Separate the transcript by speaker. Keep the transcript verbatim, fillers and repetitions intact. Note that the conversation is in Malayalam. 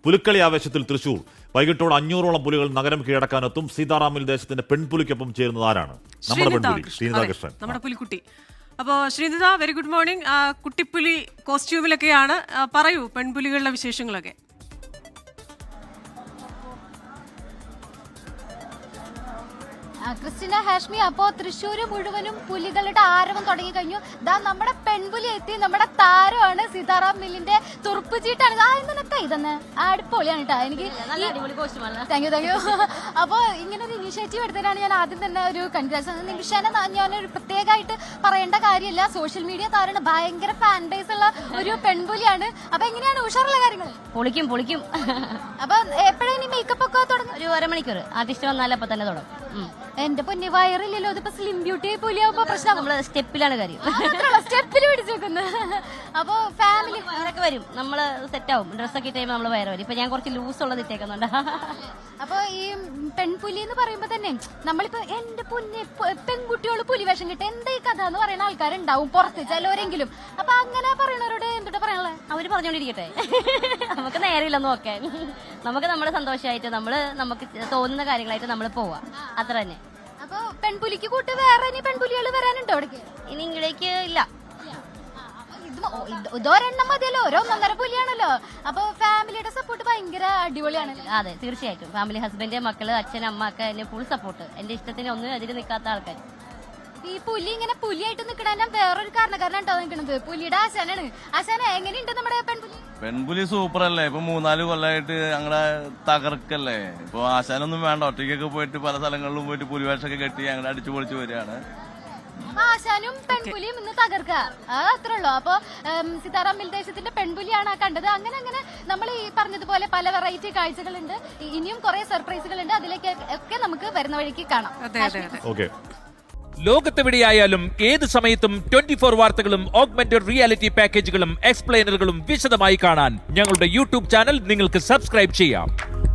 Speaker 1: പുലിക്കളി ആവേശത്തിൽ തൃശൂർ. വൈകിട്ടോടെ അഞ്ഞൂറോളം പുലികൾ നഗരം കീഴടക്കാനെത്തും. സീതാറാമിൽ ദേശത്തിന്റെ പെൺപുലിക്കൊപ്പം ചേരുന്നത് ആരാണ്? നമ്മുടെ പെൺപുലി ശ്രീനിത കൃഷ്ണൻ,
Speaker 2: നമ്മുടെ പുലിക്കുട്ടി. അപ്പോൾ ശ്രീനിത, വെരി ഗുഡ് മോർണിംഗ്. കുട്ടിപ്പുലി കോസ്റ്റ്യൂമിലൊക്കെയാണ്. പറയൂ പെൺപുലികളുടെ വിശേഷങ്ങളൊക്കെ.
Speaker 3: ക്രിസ്റ്റിന, ഹാഷ്മി, അപ്പോ തൃശ്ശൂര് മുഴുവനും പുലികളുടെ ആരവം തുടങ്ങി കഴിഞ്ഞു. ദാ നമ്മുടെ പെൺപുലി എത്തി. നമ്മുടെ താരമാണ് സീതാറാം മില്ലിന്റെ തുറുപ്പ് ചീട്ടാണ്. ആ ഇന്നത്തെ ഇതെന്ന് അടിപൊളിയാണ് കേട്ടോ. എനിക്ക് താങ്ക് യു താങ്ക് യു അപ്പൊ ഇങ്ങനെ ഒരു ഇനിഷ്യേറ്റീവ് എടുത്തതിനാണ് ഞാൻ ആദ്യം തന്നെ ഒരു കൺഗ്രാറ്റ്സ്. നിമിഷനെ ഞാനൊരു പ്രത്യേകമായിട്ട് പറയേണ്ട കാര്യമില്ല. സോഷ്യൽ മീഡിയ താരമാണ്, ഭയങ്കര ഫാൻ ബേസ് ഉള്ള ഒരു പെൺപുലിയാണ്. അപ്പൊ എങ്ങനെയാണ് ഉഷാറുള്ള കാര്യങ്ങൾ?
Speaker 4: പൊളിക്കും പൊളിക്കും.
Speaker 3: അപ്പൊ എപ്പോഴാണ് മേക്കപ്പ് ഒക്കെ തുടങ്ങും?
Speaker 4: ഒരു അരമണിക്കൂർ ആർട്ടിസ്റ്റ് വന്നാലപ്പോ തന്നെ തുടങ്ങും.
Speaker 3: എന്റെ പൊന്നി, വയറില്ലല്ലോ. ഇതിപ്പോ സ്ലിം ബ്യൂട്ടി പുലിയാവുമ്പോ പ്രശ്നം.
Speaker 4: നമ്മള് സ്റ്റെപ്പിലാണ് കാര്യം,
Speaker 3: സ്റ്റെപ്പിൽ പിടിച്ചേക്കുന്നത്. അപ്പൊ ഫാമിലി
Speaker 4: വയറൊക്കെ വരും, നമ്മള് സെറ്റ് ആവും. ഡ്രസ്സൊക്കെ ഇട്ട് നമ്മൾ വയറ് വരും. ഇപ്പൊ ഞാൻ കുറച്ച് ലൂസ് ഉള്ളത് ഇട്ടേക്കുന്നുണ്ട്.
Speaker 3: അപ്പൊ ഈ പെൺപുലി എന്ന് പറയുമ്പോ തന്നെ നമ്മളിപ്പോ എന്റെ പൊന്നി പെൺകുട്ടികള് പുലിവേഷം കിട്ടും എന്താ ഈ കഥ എന്ന് പറയുന്ന ആൾക്കാരുണ്ടാവും പുറത്ത് ചിലവരെങ്കിലും. അപ്പൊ അങ്ങനെ പറയണവരോട് എന്തുട്ടാ പറയാനുള്ളത്?
Speaker 4: അവര് പറഞ്ഞോണ്ടിരിക്കട്ടെ, നമുക്ക് നേരമില്ലെന്ന് നോക്കാൻ. നമുക്ക് നമ്മുടെ സന്തോഷമായിട്ട് നമ്മള് നമുക്ക് തോന്നുന്ന കാര്യങ്ങളായിട്ട് നമ്മൾ പോവാ, അത്ര തന്നെ.
Speaker 3: അപ്പൊ പെൺപുലിക്ക് കൂട്ട് വേറെ ഇനി പെൺപുലികൾ വരാനുണ്ടോ അവിടേക്ക്?
Speaker 4: ഇനി ഇങ്ങടേക്ക് ഇല്ല,
Speaker 3: ഇതൊരെണ്ണം മതിയല്ലോ, ഓരോ ഒന്നര പുലിയാണല്ലോ. അപ്പൊ ഫാമിലിയുടെ സപ്പോർട്ട് ഭയങ്കര അടിപൊളിയാണ്.
Speaker 4: അതെ, തീർച്ചയായിട്ടും. ഫാമിലി, ഹസ്ബൻഡ്, മക്കള്, അച്ഛൻ, അമ്മ ഒക്കെ എന്നെ ഫുൾ സപ്പോർട്ട്. എന്റെ ഇഷ്ടത്തിന് ഒന്നും എതിര് നിൽക്കാത്ത ആൾക്കാർ.
Speaker 3: ഈ പുലി ഇങ്ങനെ പുലിയായിട്ട് നിൽക്കണ വേറൊരു കാരണക്കാരനാട്ടോ നിൽക്കണത്. പുലിയുടെ ആശാനാണ്. ആശാന, എങ്ങനെയുണ്ട് നമ്മുടെ പെൺപുലി?
Speaker 5: പെൺപുലി സൂപ്പർ അല്ലേ? ഇപ്പൊ മൂന്നാല് കൊല്ലമായിട്ട് ഞങ്ങളെ തകർക്കല്ലേ. ഇപ്പൊ ആശാനൊന്നും വേണ്ട, ഒറ്റയ്ക്കൊക്കെ പോയിട്ട് പല സ്ഥലങ്ങളിലും പോയിട്ട് പുലിവേഷമൊക്കെ കെട്ടി ഞങ്ങളെ അടിച്ചു പൊളിച്ചു വരികയാണ്.
Speaker 3: ആശാനും പെൺപുലിയും ഇന്ന് തകർക്ക, അത്രേ ഉള്ളൂ. അപ്പൊ സീതാറാം മിൽ ദേശത്തിന്റെ പെൺപുലിയാണ് കണ്ടത്. അങ്ങനെ അങ്ങനെ നമ്മൾ ഈ പറഞ്ഞതുപോലെ പല വെറൈറ്റി കാഴ്ചകളുണ്ട്. ഇനിയും കുറെ സർപ്രൈസുകൾ ഉണ്ട്. അതിലേക്ക് ഒക്കെ നമുക്ക് വരുന്ന വഴിക്ക് കാണാം.
Speaker 1: ഓക്കെ.
Speaker 6: ലോകത്തെവിടെയായാലും ഏത് സമയത്തും ട്വന്റി ഫോർ വാർത്തകളും ഓഗ്മെന്റഡ് റിയാലിറ്റി പാക്കേജുകളും എക്സ്പ്ലെയിനറുകളും വിശദമായി കാണാൻ ഞങ്ങളുടെ യൂട്യൂബ് ചാനൽ നിങ്ങൾക്ക് സബ്സ്ക്രൈബ് ചെയ്യാം.